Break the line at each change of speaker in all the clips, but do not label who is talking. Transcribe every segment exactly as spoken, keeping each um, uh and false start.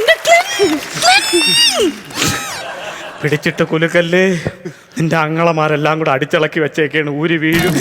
പിടിച്ചിട്ട് കുലുക്കല്ലേ, നിന്റെ അങ്ങളമാരെല്ലാം കൂടെ അടിച്ചിളക്കി വെച്ചേക്കാണ്, ഊരി വീഴും.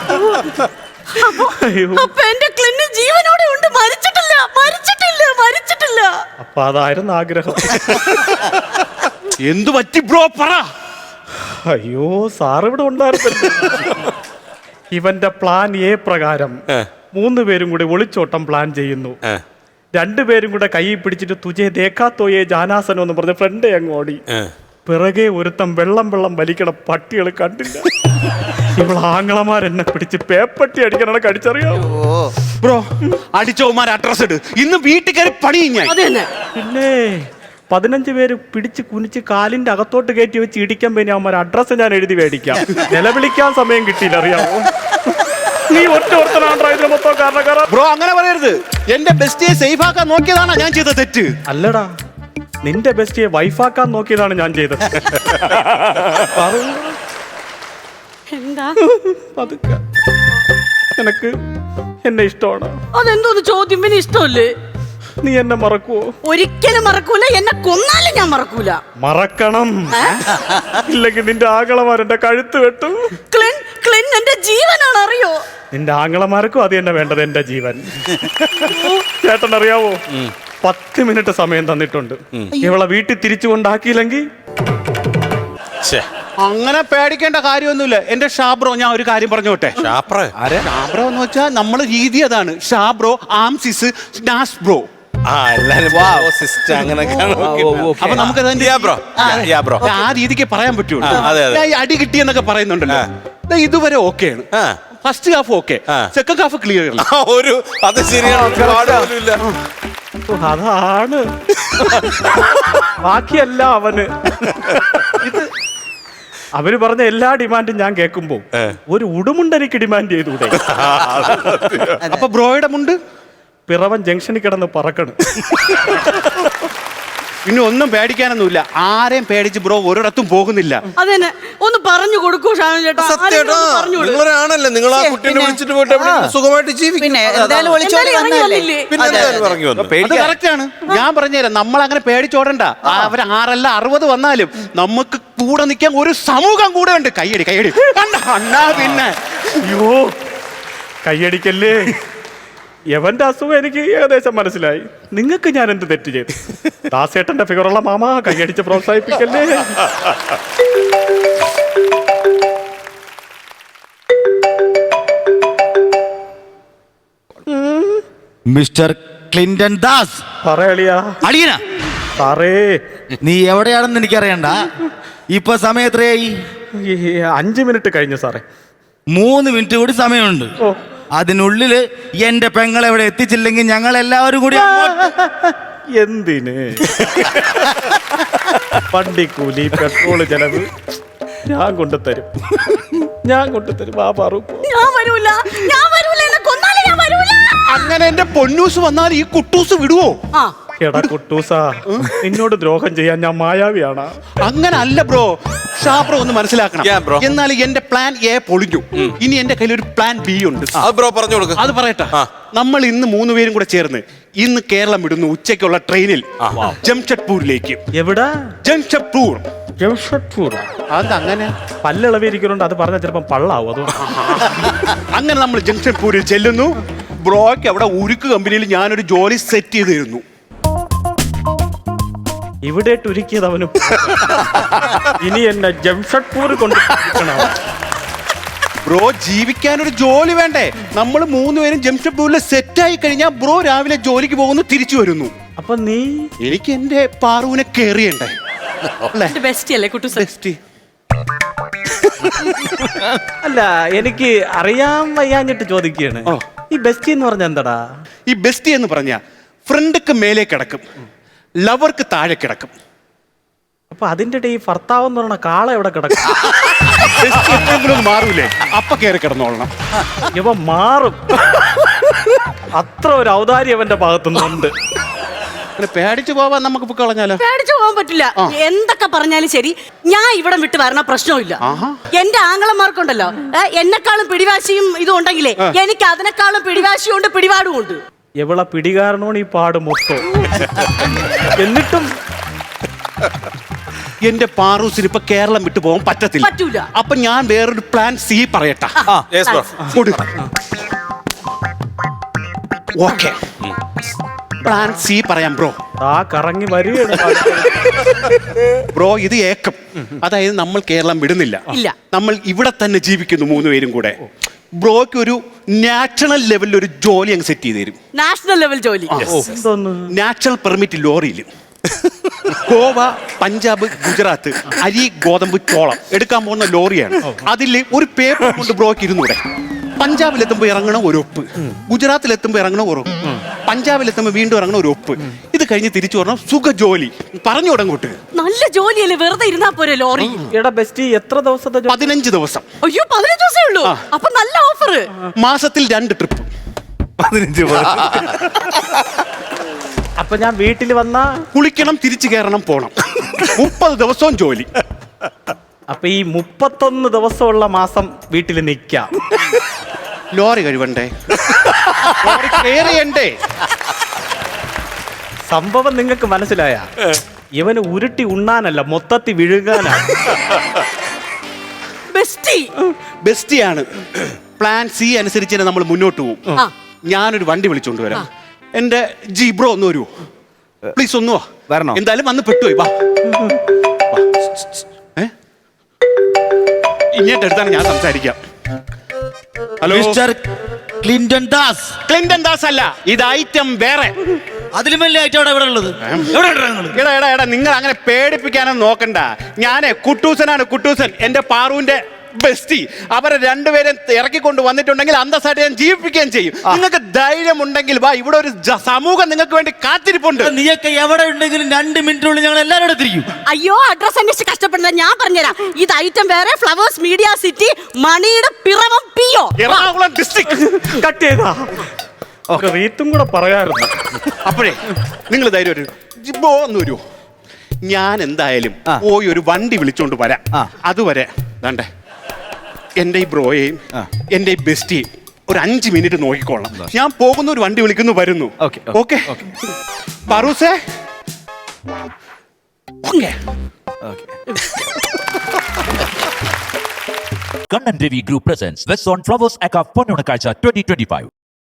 അപ്പൊ എന്റെ ക്ലിന് ജീവനോടെ ഉണ്ട്, മരിച്ചിട്ടില്ല മരിച്ചിട്ടില്ല മരിച്ചിട്ടില്ല.
അപ്പൊ അതായിരുന്നു ആഗ്രഹം.
എന്തു പറ്റി ബ്രോ പറ.
അയ്യോ സാർ ഇവിടെ ഉണ്ടായിരുന്നല്ലോ. ഇവന്റെ പ്ലാൻ എ പ്രകാരം മൂന്ന് പേരും കൂടി ഒളിച്ചോട്ടം പ്ലാൻ ചെയ്യുന്നു. രണ്ടുപേരും കൂടെ കൈ പിടിച്ചിട്ട് തുജേ ദേക്കാത്തോയെ ജാനാസനം എന്ന് പറഞ്ഞ ഫ്രണ്ടേ അങ്ങ് ഓടി. പിറകെ ഒരുത്തം വെള്ളം വെള്ളം വലിക്കണ പട്ടികൾ കണ്ടില്ല. ഇവൾ ആങ്ങളമാരെന്നെ പിടിച്ച് പേപ്പട്ടി അടിക്കണ കടിച്ചറിയാമോ
ബ്രോ? അടിച്ചോമാർ അഡ്രസ് ഇട്, ഇന്ന് വീട്ടിൽ കയറി പണി ഞാൻ.
പിന്നെ പതിനഞ്ച് പേര് പിടിച്ച് കുനിച്ച് കാലിന്റെ അകത്തോട്ട് കയറ്റി വെച്ച് ഇടിക്കാൻ പിന്നെ അവന്മാർ അഡ്രസ്സ് ഞാൻ എഴുതി മേടിക്കാം. നിലവിളിക്കാൻ സമയം കിട്ടിയില്ല, അറിയാമോ? നീ ഒറ്റ ഓർത്തനാണ് മൊത്തം കാരണക്കാരാ.
ബ്രോ അങ്ങനെ പറയരുത്. എന്റെ ബെസ്റ്റിയെ സേഫ് ആക്കാൻ നോക്കിയതാണ് ഞാൻ ചെയ്ത തെറ്റ്.
അല്ലടാ, നിന്റെ ബെസ്റ്റിയെ വൈഫാക്കാൻ നോക്കിയതാണ് ഞാൻ ചെയ്തത്.
എന്താ
പതുക്കെ. നിനക്ക് എന്നെ ഇഷ്ടമാണ്.
അതെന്തോന്ന് ചോദ്യം? പിന്നെ ഇഷ്ടമല്ലേ?
നീ എന്നെ മറക്കുവോ?
ഒരിക്കലും മറക്കൂല. എന്നെ കൊന്നാലും ഞാൻ മറക്കൂല.
മറക്കണം, ഇല്ലെങ്കിൽ നിന്റെ ആങ്ങളമാരെന്റെ കഴുത്ത് വെട്ടും.
ക്ലിൻ ക്ലിൻ എന്റെ ജീവനാണ്, അറിയോ?
നിന്റെ ആങ്ങളമാർക്കും അത് തന്നെ വേണ്ടത്, എന്റെ ജീവൻ. ചേട്ടൻ അറിയാവോ, പത്ത് മിനിറ്റ് സമയം തന്നിട്ടുണ്ട്. ഇവളെ വീട്ടിൽ തിരിച്ചു കൊണ്ടാക്കിയില്ലെങ്കിൽ
അങ്ങനെ പേടിക്കേണ്ട കാര്യമൊന്നുമില്ല. എന്റെ ഷാബ്രോ, ഞാൻ ഒരു കാര്യം പറഞ്ഞോട്ടെ. ഷാബ്രോ എന്ന് വെച്ചാൽ നമ്മളെ രീതി അതാണ്. ഷാബ്രോ, ആംസിസ്, നാസ് ബ്രോ. അപ്പൊ നമുക്ക് ആ രീതിക്ക് പറയാൻ പറ്റുള്ളൂ. അടി കിട്ടിയെന്നൊക്കെ പറയുന്നുണ്ടല്ലോ, ഇതുവരെ ഓക്കെയാണ്. First half okay, second half clear.
ഒരു അത് ശരിയാണ്,
അതാണ് ബാക്കിയല്ല അവന്. ഇത് അവര് പറഞ്ഞ എല്ലാ ഡിമാൻഡും ഞാൻ കേൾക്കുമ്പോ ഒരു ഉടുമുണ്ടെനിക്ക് ഡിമാൻഡ് ചെയ്തൂടെ?
അപ്പൊ ബ്രോയുടെ മുണ്ട്
പിറവൻ ജംഗ്ഷനിൽ കിടന്ന് പറക്കണം.
പിന്നെ ഒന്നും പേടിക്കാനൊന്നുമില്ല. ആരെയും പേടിച്ച് ബ്രോ ഒരിടത്തും പോകുന്നില്ല.
അതെന്നെ ഒന്ന് പറഞ്ഞു കൊടുക്കൂ ഷാനു ചേട്ടാ.
നിങ്ങളാണല്ലേ, നിങ്ങൾ ആ കുട്ടീനെ വിളിച്ചിട്ട് പോയിട്ട് സുഖമായിട്ട് ജീവിക്കും.
കറക്റ്റാണ്. ഞാൻ പറഞ്ഞുതരാം, നമ്മൾ അങ്ങനെ പേടിച്ചോടണ്ട. അവർ ആറല്ല അറുപത് വന്നാലും നമുക്ക് കൂടെ നിൽക്കാൻ ഒരു സമൂഹം കൂടെ ഉണ്ട്. കയ്യടി കയ്യടി അണ്ണാ. പിന്നെ
അയ്യോ കയ്യടിക്കല്ലേ. എവന്റെ അസുഖം എനിക്ക് ഏകദേശം മനസ്സിലായി. നിങ്ങൾക്ക് ഞാൻ എന്ത് തെറ്റ് ചെയ്തു? ദാസേട്ടന്റെ ഫിഗറുള്ള മാമ കയ്യടിച്ച് പ്രോത്സാഹിപ്പിക്കല്ലേ.
Mister Clinton Das.
പറയളിയാ.
അടിയന
സാറേ,
നീ എവിടെയാണെന്ന് എനിക്കറിയണ്ട. ഇപ്പൊ സമയം എത്രയായി?
അഞ്ചു മിനിറ്റ് കഴിഞ്ഞു സാറേ.
മൂന്ന് മിനിറ്റ് കൂടി സമയമുണ്ട്.
ഓ,
അതിനുള്ളില് എന്റെ പെങ്ങൾ എവിടെ എത്തിച്ചില്ലെങ്കിൽ ഞങ്ങൾ എല്ലാവരും കൂടി
എന്തിന്? വണ്ടിക്കൂലി, പെട്രോള് ചെലവ് ഞാൻ കൊണ്ടുതരും, ഞാൻ കൊണ്ടുതരും. ആ പറു
ഞാൻ വരൂല, ഞാൻ വരൂല. എന്നെ കൊന്നാലും ഞാൻ വരൂല.
അങ്ങനെ എന്റെ പൊന്നൂസ് വന്നാൽ ഈ കുട്ടൂസ് വിടുവോ?
എടാ കുട്ടൂസാ, നിന്നോട് ദ്രോഹം ചെയ്യാൻ ഞാൻ മായാവിയാണ്.
അങ്ങനെ അല്ല ബ്രോ. ഷാബ്രോ ഒന്ന് മനസ്സിലാക്കണം. എന്നാൽ എന്റെ പ്ലാൻ എ പൊളിഞ്ഞു. ഇനി എന്റെ കയ്യിൽ ഒരു പ്ലാൻ ബി ഉണ്ട്.
ബ്രോ പറഞ്ഞു കൊടുക്കും.
അത് പറയട്ടെ. നമ്മൾ ഇന്ന് മൂന്ന് പേരും കൂടെ ചേർന്ന് ഇന്ന് കേരളം വിടുന്നു ഉച്ചയ്ക്കുള്ള ട്രെയിനിൽ ജംഷഡ്പൂരിലേക്ക്.
എവിടെ?
ജംഷഡ്പൂർ.
ജംഷഡ്പൂർ
അതങ്ങനെ
പല്ലിളവിരിക്കുന്നുണ്ട്. അത് പറഞ്ഞാൽ ചിലപ്പം പള്ളാവും. അത്
അങ്ങനെ നമ്മൾ ജംഷഡ്പൂരിൽ ചെല്ലുന്നു. ബ്രോയ്ക്ക് അവിടെ ഉരുക്ക് കമ്പനിയിൽ ഞാനൊരു ജോലി സെറ്റ് ചെയ്ത് തരുന്നു.
ഇവിടെ ഒരുക്കിയത് അവന്. ഇനി എന്നെ ജംഷഡ്പൂർ കൊണ്ട്
ബ്രോ ജീവിക്കാനൊരു ജോലി വേണ്ടേ? നമ്മൾ മൂന്നുപേരും ജംഷഡ്പൂരിൽ സെറ്റ് ആയി കഴിഞ്ഞാൽ ബ്രോ രാവിലെ ജോലിക്ക് പോകുന്നു, തിരിച്ചു വരുന്നു.
അപ്പൊ നീ
എനിക്ക് എന്റെ പാറുവിനെ കേറിയണ്ടേ?
ബെസ്റ്റ് അല്ലേ കുട്ടു?
ബെസ്റ്റ്
അല്ല, എനിക്ക് അറിയാൻ വയ്യാഞ്ഞിട്ട് ചോദിക്കുകയാണ്. ഈ ബെസ്റ്റി എന്ന് പറഞ്ഞ എന്താടാ?
ഈ ബെസ്റ്റി എന്ന് പറഞ്ഞ ഫ്രണ്ട്ക്ക് മേലെ കിടക്കും, ലവർക്ക് താഴെ കിടക്കും.
അപ്പൊ അതിന്റെ ഈ ഭർത്താവ് എന്ന് പറഞ്ഞ കാള എവിടെ കിടക്കും?
മാറൂലേ? അപ്പൊ കയറി കിടന്നോളണം.
ഇവ മാറും. അത്ര ഒരു ഔദാര്യം അവന്റെ ഭാഗത്തുനിന്നുണ്ട്.
പേടിച്ചു പോവാൻ നമുക്ക് ഇപ്പൊ കളഞ്ഞാലോ?
പേടിച്ചു പോകാൻ പറ്റില്ല. എന്തൊക്കെ പറഞ്ഞാലും ശരി, ഞാൻ ഇവിടെ വിട്ട് വരണ പ്രശ്നമില്ല. എന്റെ ആങ്ങളമാർക്കുണ്ടല്ലോ എന്നെക്കാളും പിടിവാശിയും ഇതും ഉണ്ടെങ്കിലേ എനിക്ക് അതിനേക്കാളും പിടിവാശിയും ഉണ്ട്, പിടിപാടും ഉണ്ട്.
എവളെ പിടികാരണമാണ് ഈ പാട് മൊത്തം. എന്നിട്ടും
എന്റെ പാറൂസിന് ഇപ്പൊ കേരളം വിട്ടു പോകാൻ പറ്റത്തില്ല.
പറ്റൂല.
അപ്പൊ ഞാൻ വേറൊരു പ്ലാൻ സി പറയട്ടെ.
Yes, bro.
Okay, plan C പറയാം ബ്രോ.
ആ കറങ്ങി വരികയാണ്.
ബ്രോ ഇത് ഏക്കം, അതായത് നമ്മൾ കേരളം വിടുന്നില്ല,
ഇല്ല.
നമ്മൾ ഇവിടെ തന്നെ ജീവിക്കുന്നു മൂന്നുപേരും കൂടെ. ബ്രോയ്ക്ക് ഒരു നാഷണൽ ലെവലിൽ ഒരു ജോലി അങ്ങ് സെറ്റ് ചെയ്ത് തരും.
നാഷണൽ ലെവൽ ജോലി.
എന്തോന്ന്
നാഷണൽ പെർമിറ്റ് ലോറിയിൽ ഗോവ, പഞ്ചാബ്, ഗുജറാത്ത് അരി, ഗോതമ്പ്, ചോളം എടുക്കാൻ പോകുന്ന ലോറിയാണ്. അതിൽ ഒരു പേപ്പർ കൊണ്ട് ബ്രോയ്ക്ക് ഇരുന്നൂടെ. പഞ്ചാബിലെത്തുമ്പോൾ ഇറങ്ങണം ഒരു ഒപ്പ്, ഗുജറാത്തിലെത്തുമ്പോൾ ഇറങ്ങണം ഒരു ഒപ്പ്, പഞ്ചാബിലെത്തുമ്പോൾ വീണ്ടും ഇറങ്ങണം ഒരു ഒപ്പ്. ഇത് കഴിഞ്ഞ് തിരിച്ചു വരണം. സുഖ ജോലി പറഞ്ഞു തുടങ്ങോട്ട്.
നല്ല ജോലിയല്ലേ, വെറുതെ ഇരുന്നാ പോരെ ലോറി.
എടാ ബെസ്റ്റ്, എത്ര ദിവസത്തെ ജോ-
പതിനഞ്ച് ദിവസം,
അയ്യോ പതിനഞ്ച് ദിവസമേ ഉള്ളൂ. അപ്പൊ നല്ല ഓഫർ.
മാസത്തിൽ രണ്ട് ട്രിപ്പ്.
പതിനഞ്ച്
അപ്പൊ ഞാൻ വീട്ടിൽ വന്ന
കുളിക്കണം, തിരിച്ചു കയറണം, പോണം. മുപ്പത് ദിവസവും ജോലി.
അപ്പൊ ഈ മുപ്പത്തൊന്ന് ദിവസമുള്ള മാസം വീട്ടിൽ നിൽക്കാം.
ലോറി കഴിവണ്ടേ, ലോറി clear ചെയ്യണ്ടേ?
സംഭവം നിങ്ങൾക്ക് മനസ്സിലായ? ഇവന് ഉരുട്ടി ഉണ്ണാനല്ല, മൊത്തത്തിൽ വിഴുകാനാണ്.
ബെസ്റ്റി.
ബെസ്റ്റിയാണ്. പ്ലാൻ സി അനുസരിച്ച് തന്നെ നമ്മൾ മുന്നോട്ട് പോകും.
ആ.
ഞാനൊരു വണ്ടി വിളിച്ചോണ്ട് വരാം. എന്റെ ജി ബ്രോ ഒന്ന് വരുമോ പ്ലീസ്? ഒന്ന് വാ.
വരണോ?
എന്തായാലും വന്ന് പെട്ടുപോയി. വാ. ഏ? ഇങ്ങോട്ട് എടുത്താണ് ഞാൻ സംസാരിക്കാം. Hello
mister Clinton Das.
Clinton Das അല്ല, ഇത് ഐറ്റം വേറെ.
അതിലും വലിയ ഐറ്റം ഇവിടെ ഉള്ളത്. എവിടെ ഉണ്ട് നിങ്ങള്?
എടാ എടാ എടാ നിങ്ങൾ അങ്ങനെ പേടിപ്പിക്കാനൊന്നും നോക്കണ്ട. ഞാനേ കുട്ടൂസനാണ്, കുട്ടൂസൻ. എന്റെ പാറുവിന്റെ ബെസ്റ്റി. അവരെ രണ്ടുപേരും ഇറക്കിക്കൊണ്ട് വന്നിട്ടുണ്ടെങ്കിൽ അന്തസ്സായിട്ട് ഞാൻ ജീവിപ്പിക്കുകയും ചെയ്യും. നിങ്ങൾക്ക് ധൈര്യം ഉണ്ടെങ്കിൽ വാ, ഇവിടെ ഒരു ജ- സമൂഹം നിങ്ങൾക്ക് വേണ്ടി കാത്തിരിപ്പുണ്ട്.
നീയൊക്കെ എവിടെ ഉണ്ടെങ്കിലും രണ്ട് മിനിറ്റിനുള്ളിൽ ഞങ്ങൾ എല്ലാവരും എടുത്തിരിക്കും.
അയ്യോ അഡ്രസ് അന്വേഷിച്ച് കഷ്ടപ്പെടുന്നത് ഞാൻ പറഞ്ഞുതരാം. ഇത് ഐറ്റം വേറെ, ഫ്ലവേഴ്സ് മീഡിയ സിറ്റി, മണിയുടെ Piravom PO.
Ernakulam district.
Cut ചെയ്താ റീത്തും കൂടെ പറയാറുണ്ട്.
അപ്പോഴേ നിങ്ങൾ ധൈര്യം ഒരു ജിബോ എന്ന് വരുമോ? ഞാൻ എന്തായാലും പോയി ഒരു വണ്ടി വിളിച്ചോണ്ട് വരാം. അതുവരെ ദാണ്ടെ എന്റെ ഈ ബ്രോയെയും എന്റെ ഈ ബെസ്റ്റിയും ഒരു അഞ്ച് മിനിറ്റ് നോക്കിക്കോളാം. ഞാൻ പോകുന്ന ഒരു വണ്ടി വിളിക്കുന്നു, വരുന്നു. ഓക്കെ പറൂസേ. Okay.
Kannan Devi Group presents West on Flowers Aka Ponnunakazha twenty twenty-five.